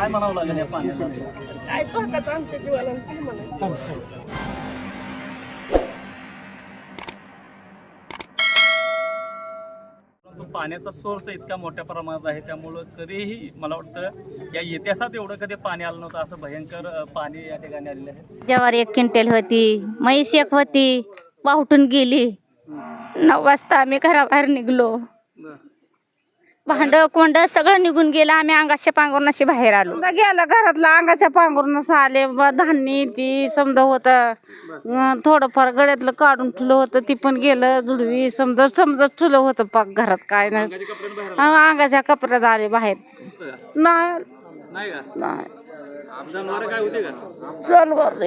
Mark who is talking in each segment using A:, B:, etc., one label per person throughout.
A: काय म्हणावं लागेल या पाण्याला?
B: काय धोकाच आमच्या जीवाला आणि काय म्हणायचं.
A: परंतु पाण्याचा सोर्स इतका मोठ्या प्रमाणात आहे, त्यामुळं कधीही मला वाटतं या इतिहासात एवढं कधी पाणी आलं नव्हतं, असं भयंकर पाणी या ठिकाणी आलेलं आहे.
C: ज्वारी 1 क्विंटल होती, म्हैस 1 होती, वाहटून गेली. 9 वाजता आम्ही घराबाहेर निघलो. भांड कोंड सगळं निघून गेलं. आम्ही अंगाच्या पांघरुणाशी बाहेर आलो.
D: गेलं घरातलं अंगाच्या पांघरूनच आले. धान्य ती समजा होतं, थोडंफार गळ्यातलं काढून ठेवलं होतं, ती पण गेलं. जुडवी समजा ठेवलं होतं पाक घरात. काय नाही, अंगाच्या कपड्यात आले बाहेर. नाही
A: काय होते का?
D: चल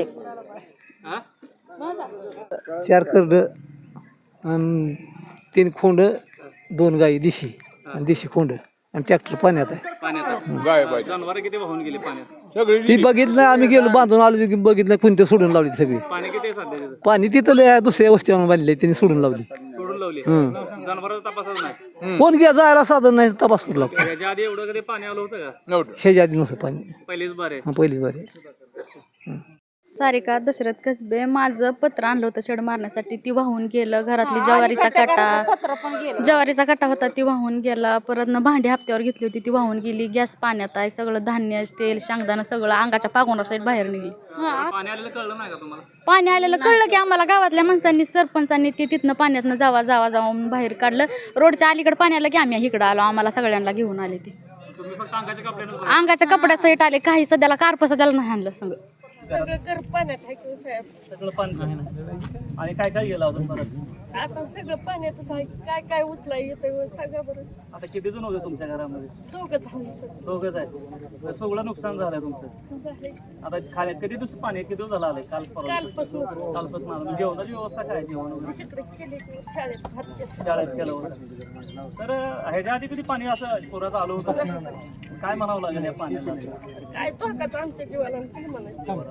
E: 4 करड आणि 3 खोंड, 2 गाई देशी आणि देशी खोंड आणि ट्रॅक्टर पाण्यात आहे.
A: जनावर किती वाहून गेली पाण्यात?
E: ती बघितलं, आम्ही गेलो बांधून आलो की बघितलं कोणते सोडून लावली सगळी.
A: पाणी किती आहे सध्या तिथं?
E: पाणी तिथं लय दुसऱ्या वस्तीवर बांधले त्यांनी सोडून लावली.
A: सोडून लावली. जनावरांचा तपासच नाही.
E: कोण घ्या जायला साधन नाही, तपास करू लागतो.
A: ह्याच्या आधी एवढं कधी पाणी आलं होतं का?
E: ह्याच्या आधी नव्हतं पाणी,
A: पहिलीच बार आहे.
E: पहिलीच बारी.
F: सारिका दशरथ कसबे. माझं पत्र आणलं होतं शेड मारण्यासाठी, ती वाहून गेलं. घरातली ज्वारीचा कट्टा होता, ती वाहून गेला. परत भांडी हप्त्यावर घेतली होती, ती वाहून गेली. गॅस पाण्यात आहे, सगळं धान्य, तेल, शेंगदाणा सगळं अंगाच्या पागोनासाईड बाहेर निघली.
A: पाणी आलेलं कळलं नाही का तुम्हाला?
F: पाणी आलेलं कळलं की आम्हाला गावातल्या माणसांनी, सरपंचांनी ते तिथनं पाण्यातनं जाऊन बाहेर काढलं. रोडच्या अलीकडे पाणी आलं की आम्ही इकडं आलो. आम्हाला सगळ्यांना घेऊन आले. ते
A: तुम्ही फक्त
F: अंगाच्या कपड्यासहित आले. काही सध्याला कार्प सध्याला नाही आणलं सगळं.
B: सगळं घर पाण्यात आहे की साहेब.
A: सगळं पाणी आहे ना. आणि काय काय गेलं अजून परत?
B: आता सगळं पाण्यातच आहे. काय काय उचला येतं सगळं. बरं
A: आता किती जण होते तुमच्या घरामध्ये?
B: दोघंच आहोत.
A: दोघंच आहे. तर सगळं नुकसान झालंय तुमचं. आता कधी दिवस पाणी किती दिवस झालं आलंय? कालपासून आलं. जेवणाची व्यवस्था काय? जेवण वगैरे
B: तिकडे केली की शाळेत
A: शाळेत केलं होतं. तर ह्याच्या आधी कधी पाणी असं पुराचं आलं होतं? काय म्हणावं लागेल या पाण्याला?
B: काय धोकाच आमच्या जीवाला आणि काय म्हणायचं.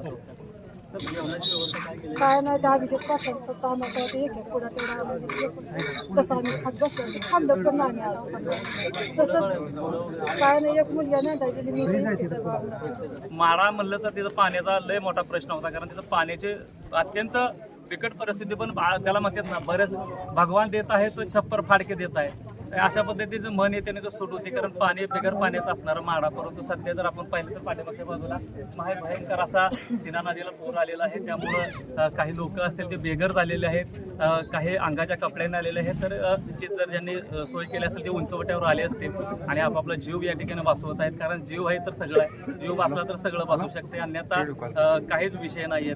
G: काय नाही, त्या अभिषेक पाठवत फक्त आम्हाला एक पुढा तेवढा तसं आम्ही खात बसलो. खाल्लं पण नाही आम्ही तसंच. काय नाही, एक मुलगा नाही गेली.
A: माळा म्हणलं तर तिथं पाण्याचा लय मोठा प्रश्न होता, कारण तिथं पाण्याचे अत्यंत बिकट परिस्थिती. पण त्याला म्हणतात ना, बरेच भगवान देत आहे तो छप्पर फाडके देत आहे. अशा पद्धतीचं मन येते तो सुट होते, कारण पाणी बिगर पाण्याचं असणारा माडा. परंतु सध्या जर आपण पाहिलं तर पाठीमागच्या बाजूला भयंकर असा सीना नदीला पूर आलेला आहे. त्यामुळं काही लोक असतील ते बेघर झालेले आहेत, काही अंगाच्या कपड्याने आलेले आहेत. तर निश्चित जर ज्यांनी सोय केली असेल ते उंचवट्यावर आले असतील आणि आपापला जीव या ठिकाणी वाचवत आहेत. कारण जीव आहे तर सगळं आहे, जीव वाचला तर सगळं वाचू शकते, अन्यथा काहीच विषय नाही आहे.